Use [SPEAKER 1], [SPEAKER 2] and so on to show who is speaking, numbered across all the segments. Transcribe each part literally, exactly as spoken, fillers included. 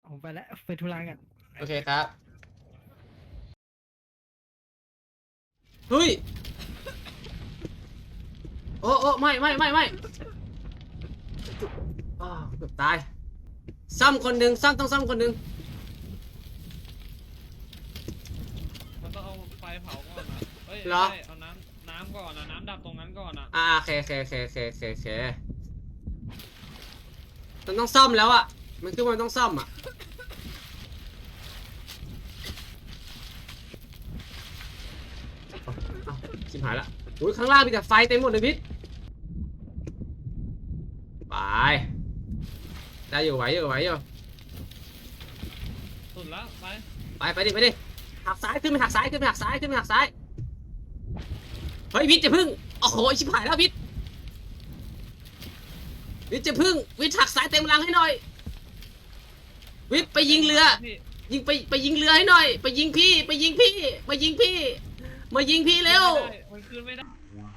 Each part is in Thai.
[SPEAKER 1] ผมไปแล้วไปธุระกัน
[SPEAKER 2] โอเคครับเฮ้ยโอ้โอ้ไม่ไม่ไม่ไม่อ้าวเกือบตายซ้ำคนหนึ่งซ้ำต้องซ้ำคนหนึ่ง
[SPEAKER 3] มันต้องเอาไฟเผาก่อนนะเอ้ย
[SPEAKER 2] เหรอ
[SPEAKER 3] ไม่เอาน้ำน้ำก่อนนะน้ำดับตรงนั้นก่อนนะ
[SPEAKER 2] อ่าโอเคโอเคโอเคโอเคโอเคโอเคมันต้องซ่อมแล้วอ่ะมันคือมันต้องซ่อมอ่ะเอาชิบหายละอุ้ยข้างล่างมีแต่ไฟเต็มหมดเลยพิษไปได้อยู่ไหวอยู่ไหวอยู่
[SPEAKER 3] สุดแล้วไป
[SPEAKER 2] ไปไปดิไปดิหักซ้ายขึ้นไปหักซ้ายขึ้นไปหักซ้ายขึ้นไปหักซ้ายเฮ้ยวิทย์จะพึ่งโอ้โหชิบหายแล้ววิทย์วิทย์จะพึ่งวิทย์หักซ้ายเต็มรังให้หน่อยวิทย์ไปยิงเรือ
[SPEAKER 3] พี่
[SPEAKER 2] ยิงไปไปยิงเรือให้หน่อยไปยิงพี่ไปยิงพี่มายิงพี่มายิงพี่เร็ว
[SPEAKER 3] ไม่ได้มันคืนไม่ได้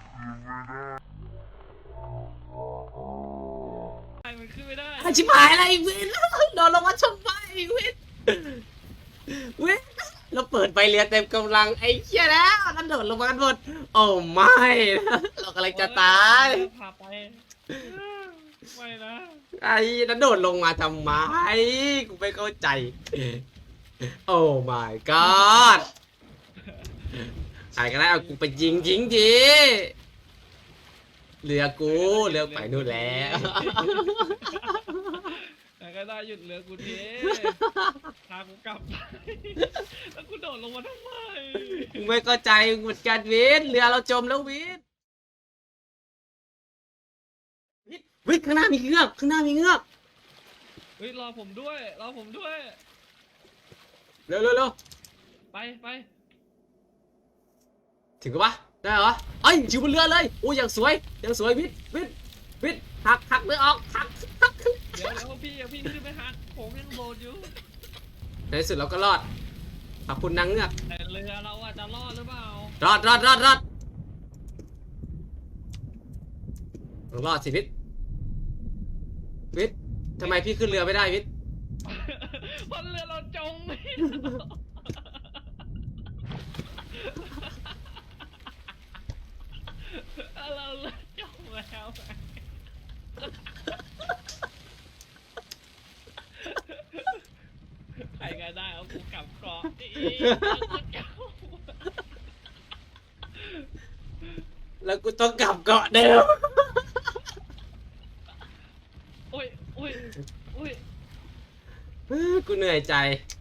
[SPEAKER 3] มันขึ้นไม่ได้
[SPEAKER 2] อ่ะชิบหายอะไรวิทย์โดนลงมาชนไปวิทย์วิทย์เราเปิดไฟเรือเต็มกำลังไอ้เหี้ยแล้วนั่นโดดลงมากันหมดโอ้ไม่เรากำลังจะตาย
[SPEAKER 3] พาไปไม่นะ
[SPEAKER 2] ไอ้นั่นโดดลงมาทำไมกูไม่เข้าใจโอ้ my god ใครก็ได้เอากูไปยิงยิงทีเรือกูเรือไปนู่นแล้ว
[SPEAKER 3] แต่ก็ได้หยุดเรือกูทีพากูกลับไปแล้วกูโดดลงมาทำไม
[SPEAKER 2] กูไม่เข้าใจเหมือนกันวิทย์เรือเราจมแล้ววิทย์วิทย์วิทย์ข้างหน้ามีเงือกข้างหน้ามีเงือก
[SPEAKER 3] เฮ้ยรอผมด้วยรอผมด้วย
[SPEAKER 2] เร็วเร็วเร็ว
[SPEAKER 3] ไปไป
[SPEAKER 2] ถึงกับวะได้เหรอเอ้ยอยู่บนเรือเลยโอ้ยอย่างสวยอย่างสวยวิทย์วิทย์วิทย์หักหักเรือออกหักหัก
[SPEAKER 3] เดี๋ยวเดี๋ยวพี่อย่าพี่ขึ้นไปหักผมยังโดดอยู่
[SPEAKER 2] ในที่สุดเราก็รอดขอบคุณนางเงือก
[SPEAKER 3] แต่เรือเราอะจะรอดหรือเปล่าร
[SPEAKER 2] อดรอดรอดรอดรอดสิวิทย์วิทย์ทำไมพี่ขึ้นเรือไม่ได้วิทย์
[SPEAKER 3] เพราะเรือเราจมไม่เราเรือจมแล้วใครก็ได้เอากูกลับเกาะอีก
[SPEAKER 2] แล้วกูต้องกลับเกาะเดิม
[SPEAKER 3] โอ้ยโอ้ยโอ้ย
[SPEAKER 2] กูเหนื่อยใจ
[SPEAKER 3] โ